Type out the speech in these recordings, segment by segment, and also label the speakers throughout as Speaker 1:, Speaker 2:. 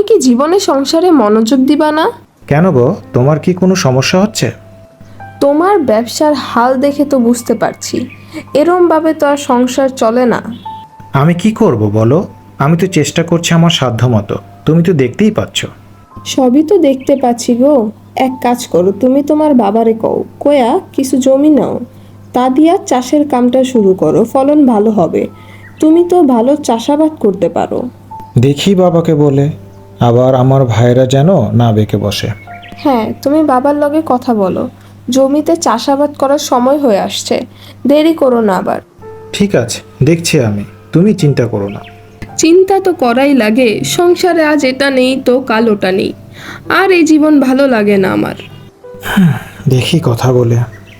Speaker 1: কি জীবনে সংসারে মনোযোগ দিবা না?
Speaker 2: কেন গো, তোমার কি কোনো সমস্যা হচ্ছে?
Speaker 1: তোমার ব্যবসার হাল দেখে তো বুঝতে পারছি এরমভাবে তো আর সংসার চলে না।
Speaker 2: আমি কি করব বলো? আমি তো চেষ্টা করছি আমার সাধ্য মতো, তুমি তো দেখতেই পাচ্ছ।
Speaker 1: সবই তো দেখতে পাচ্ছি গো। এক কাজ করো, তুমি তোমার বাবারে কয়া কিছু জমি নাও, তা দিয়া চাষের কামটা শুরু করো, ফলন ভালো হবে। তুমি তো ভালো চাষাবাদ করতে পারো।
Speaker 2: দেখি বাবাকে বলে, আবার আমার ভাইরা যেন না বেঁকে বসে।
Speaker 1: হ্যাঁ, তুমি বাবার লগে কথা বলো। জমিতে চাষাবাদ করার সময় হয়ে আসছে, দেরি করো না আবার।
Speaker 2: ঠিক আছে, দেখছি আমি, তুমি চিন্তা করো না।
Speaker 1: চিন্তা তো করাই লাগে, সংসারে আজ এটা নেই তো কাল ওটা নেই, আর এই জীবন ভালো লাগে না আমার।
Speaker 2: দেখি কথা বলে।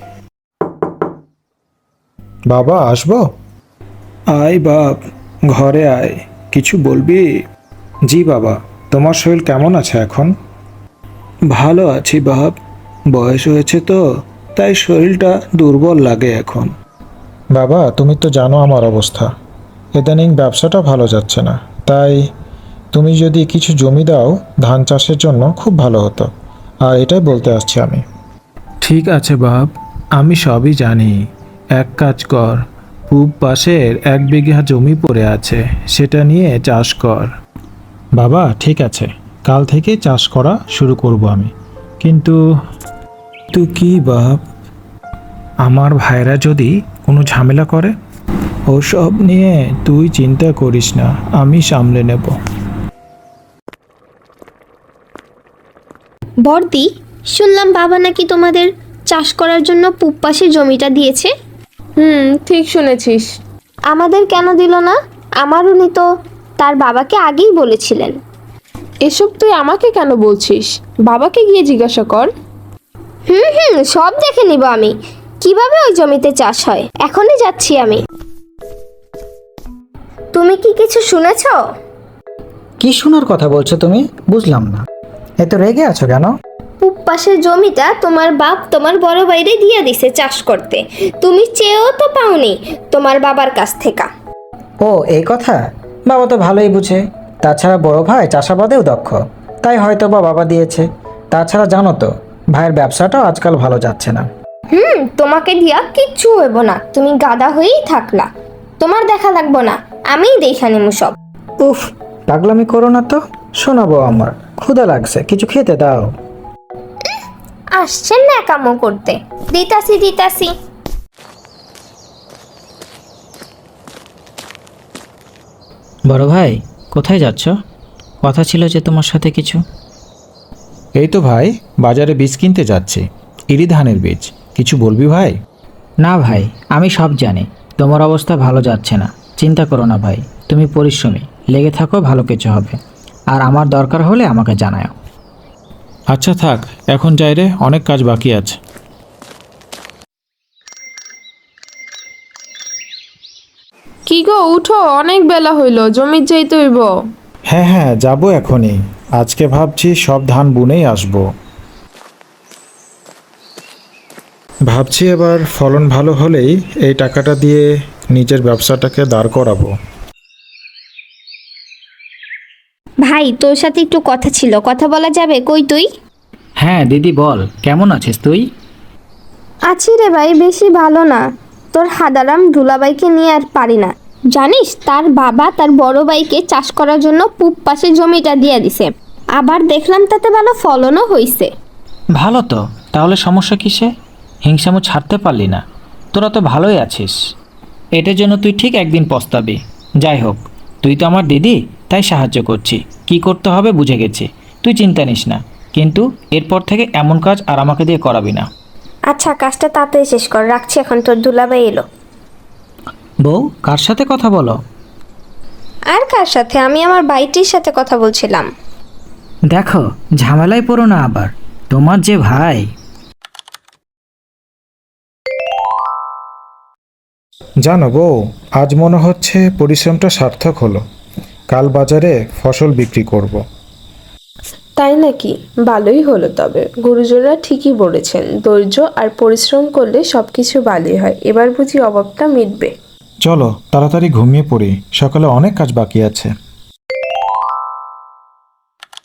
Speaker 2: বাবা, আসবো? আয় বাপ, ঘরে আয়, কিছু বলবি? জি বাবা। তোমার শরীর কেমন আছে এখন? ভালো আছি বাপ, বয়স হয়েছে তো, তাই শরীরটা দুর্বল লাগে এখন। বাবা, তুমি তো জানো আমার অবস্থা, ইদানিং ব্যবসাটা ভালো যাচ্ছে না, তাই তুমি যদি কিছু জমি দাও ধান চাষের জন্য খুব ভালো হতো, আর এটাই বলতে আসছি আমি। ঠিক আছে বাপ, আমি সবই জানি। এক কাজ কর, পূব পাশের 1 বিঘা জমি পড়ে আছে, সেটা নিয়ে চাষ কর। বাবা ঠিক আছে, কাল থেকে চাষ করা শুরু করব আমি। কিন্তু তুই কি বাপ? আমার ভাইরা যদি কোনো ঝামেলা করে? ওসব নিয়ে তুই চিন্তা করিস না, আমি সামলে নেব।
Speaker 3: বর্দি, শুনলাম বাবা নাকি তোমাদের চাষ করার জন্য পূব পাশে জমিটা দিয়েছে।
Speaker 1: ঠিক শুনেছিস।
Speaker 3: আমাদের কেন দিল না? আমার উনি তো তার বাবাকে আগেই বলেছিলেন।
Speaker 1: এসব তুই আমাকে কেন বলছিস? বাবাকে গিয়ে জিজ্ঞাসা কর।
Speaker 3: সব দেখে নিব আমি, কিভাবে ওই জমিতে চাষ হয়। এখনই যাচ্ছি আমি। তুমি কি কিছু শুনেছো?
Speaker 4: কি শোনার কথা বলছো তুমি? বুঝলাম না, এত রেগে আছো কেন?
Speaker 3: পূব পাশের জমিটা তোমার বাপ তোমার বড় বাইরে দিয়ে দিছে চাষ করতে। তুমি চেয়েও তো পাওনি তোমার বাবার কাছ থেকে।
Speaker 4: ও এই কথা, বাবা তো ভালোই বুঝে। তাছাড়া বড় ভাই চাষাবাদেও দক্ষ, তাই হয়তো বা বাবা দিয়েছে। তাছাড়া জানো তো, ভাইয়ের ব্যবসাটাও আজকাল ভালো যাচ্ছে না।
Speaker 3: তোমাকে দিয়া কিচ্ছু হইব না, তুমি গাদা হয়েই থাকলা। তোমার দেখা লাগবো না, আমিই দেখা নিমু সব।
Speaker 4: উফ, পাগলামি করো না তো, শোনাবো আমার ক্ষুধা লাগছে, কিছু খেতে দাও।
Speaker 3: আসছেন না কামো করতে, দিতাছি দিতাছি।
Speaker 5: বড় ভাই, কোথায় যাচ্ছ? কথা ছিল যে তোমার সাথে কিছু।
Speaker 2: এই তো ভাই, বাজারে বীজ কিনতে যাচ্ছি, ইরি ধানের বীজ। কিছু বলবি ভাই?
Speaker 5: না ভাই, আমি সব জানি তোমার অবস্থা ভালো যাচ্ছে না। চিন্তা করো না ভাই, তুমি পরিশ্রমী, লেগে থাকো, ভালো কিছু হবে। আর আমার দরকার হলে আমাকে জানাও।
Speaker 2: আচ্ছা থাক, এখন যাই রে, অনেক কাজ বাকি আছে।
Speaker 1: কি গো, উঠো, অনেক বেলা হইল, জমির যাইতে হইব।
Speaker 2: হ্যাঁ হ্যাঁ, যাবো এখনই। আজকে ভাবছি সব ধান বুনেই আসবো। ভাবছি এবার ফলন ভালো হলেই এই টাকাটা দিয়ে নিজের ব্যবসাটাকে দাঁড় করাবো।
Speaker 3: ভাই, তোর সাথে একটু কথা ছিল, কথা বলা যাবে? কই তুই?
Speaker 5: হ্যাঁ দিদি বল, কেমন আছিস তুই?
Speaker 3: আছি রে ভাই, বেশি ভালো না। তোর হাদারাম দুলাভাইকে নিয়ে আর পারি না। জানিস, তার বাবা তার বড় ভাইকে চাষ করার জন্য পূব পাশে জমিটা দিয়ে দিছে। আবার দেখলাম তাতে ভালো ফলনও হইছে।
Speaker 5: ভালো তো, তাহলে সমস্যা কিসে? হিংসামো ছাড়তে পারলি না? তোরা তো ভালোই আছিস, এটার জন্য তুই ঠিক একদিন পস্তাবি। যাই হোক, তুই তো আমার দিদি, তাই সাহায্য করছি। কি করতে হবে বুঝে গেছি, তুই চিন্তা নিস না। কিন্তু এরপর থেকে এমন কাজ আর আমাকে দিয়ে করাবি না।
Speaker 3: আচ্ছা, কাজটা তাড়াতাড়ি শেষ কর, রাখছি এখন, তোর দুলাভাই এলো।
Speaker 5: বউ, কার সাথে কথা বলো?
Speaker 3: আর কার সাথে? আমি আমার বাইটির সাথে কথা বলছিলাম।
Speaker 5: দেখো, ঝামেলায় পড়ো না আবার, তোমার যে ভাই।
Speaker 2: জানো বউ, আজ মনে হচ্ছে পরিশ্রমটা সার্থক হলো। কাল বাজারে ফসল বিক্রি করব।
Speaker 1: তাই নাকি? ভালোই হলো তবে। গুরুজনরা ঠিকই বলেছেন, ধৈর্য আর পরিশ্রম করলে সবকিছু ভালোই হয়। এবার বুঝি অভাবটা মিটবে।
Speaker 2: চলো তাড়াতাড়ি ঘুমিয়ে পড়ি, সকালে অনেক কাজ বাকি আছে।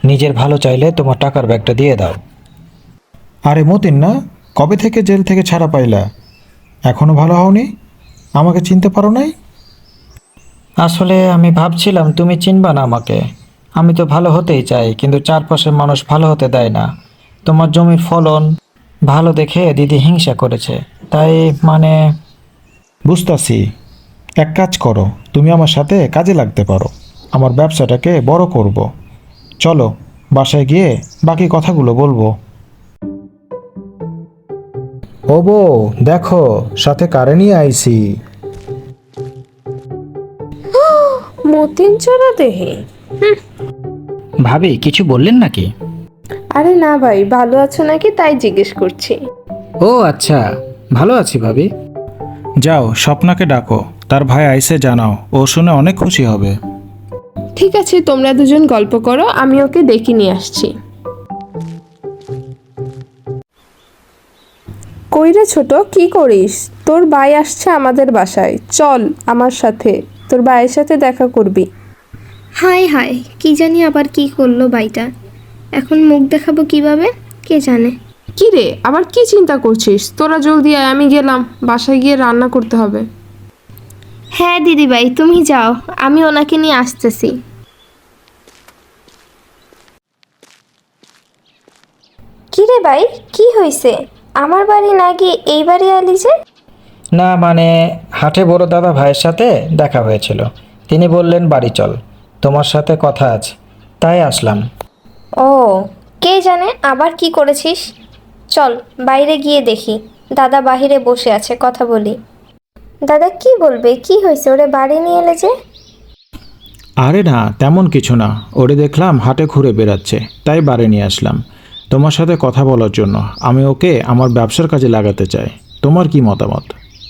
Speaker 4: নিজের ভালো চাইলে তোমার টাকার ব্যাগটা দিয়ে দাও।
Speaker 2: আরে মতিন না, কবে থেকে জেল থেকে ছাড়া পাইলা? এখনো ভালো হওনি? আমাকে চিনতে পারো নাই?
Speaker 4: আসলে আমি ভাবছিলাম তুমি চিনবা না আমাকে। আমি তো ভালো হতেই চাই, কিন্তু চারপাশের মানুষ ভালো হতে দেয় না। তোমার জমির ফলন ভালো দেখে দিদি হিংসা করেছে, তাই মানে।
Speaker 2: বুঝতাছি। এক কাজ করো, তুমি আমার সাথে কাজে লাগতে পারো, আমার ব্যবসাটাকে বড় করব। চলো বাসায় গিয়ে বাকি কথাগুলো বলবো। ও বউ, দেখো সাথে কারে নিয়ে আইছি।
Speaker 1: মতিন চড়া দেহে।
Speaker 5: ভাবি কিছু বললেন নাকি?
Speaker 1: আরে না ভাই, ভালো আছো নাকি তাই জিজ্ঞেস করছি।
Speaker 5: ও আচ্ছা, ভালো আছি ভাবি।
Speaker 2: যাও স্বপ্নাকে ডাকো, তার ভাই আইসে জানাও, ও শুনে অনেক খুশি হবে।
Speaker 1: ঠিক আছে, তোমরা দুজন গল্প করো, আমি ওকে ডেকে নিয়ে আসছি। কইরে ছোট, কি করিস? তোর ভাই আসছে আমাদের বাসায়, চল আমার সাথে, তোর ভাইয়ের সাথে দেখা করবি।
Speaker 3: হায় হায়, কি জানি আবার কি করলো বাইটা। এখন মুখ দেখাবো কিভাবে কে জানে।
Speaker 1: কি রে, আবার কি চিন্তা করছিস? তোরা জলদি আয়, আমি গেলাম, বাসায় গিয়ে রান্না করতে হবে।
Speaker 3: হ্যাঁ দিদিভাই, তুমি যাও, আমি ওনাকে নিয়ে আসতেছি। কি রে ভাই, কি হয়েছে? আমার বাড়ি না গিয়ে এই বাড়ি আলি যে?
Speaker 4: না মানে, হাটে বড় দাদা ভাইয়ের সাথে দেখা হয়েছিল, তিনি বললেন বাড়ি চল, তোমার সাথে কথা আছে, তাই আসলাম।
Speaker 3: ও, কে জানে আবার কি করেছিস। চল বাইরে গিয়ে দেখি, দাদা বাহিরে বসে আছে, কথা বলি। দাদা কি বলবে, কি হয়েছে? ওরে বাড়ি নিয়ে এলে যে?
Speaker 2: আরে না, তেমন কিছু না, ওরে দেখলাম হাটে ঘুরে বেড়াচ্ছে, তাই বাড়ি নিয়ে আসলাম তোমার সাথে কথা বলার জন্য। আমি ওকে আমার ব্যবসার কাজে লাগাতে চাই, তোমার কি মতামত?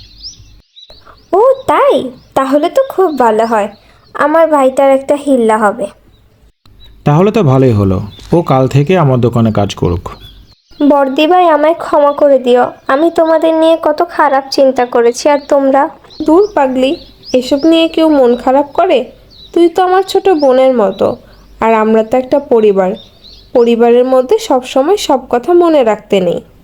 Speaker 3: ও তাই, তাহলে তো খুব ভালো হয়, আমার ভাইটার একটা হিল্লা হবে।
Speaker 2: তাহলে তো ভালোই হলো, ও কাল থেকে আমার দোকানে কাজ করুক।
Speaker 3: বর্দি ভাই, আমায় ক্ষমা করে দিও, আমি তোমাদের নিয়ে কত খারাপ চিন্তা করেছি। আর তোমরা?
Speaker 1: দূর পাগলি, এসব নিয়ে কেউ মন খারাপ করে? তুই তো আমার ছোট বোনের মতো, আর আমরা তো একটা পরিবার, পরিবারের মধ্যে সব সময় সব কথা মনে রাখতে নেই।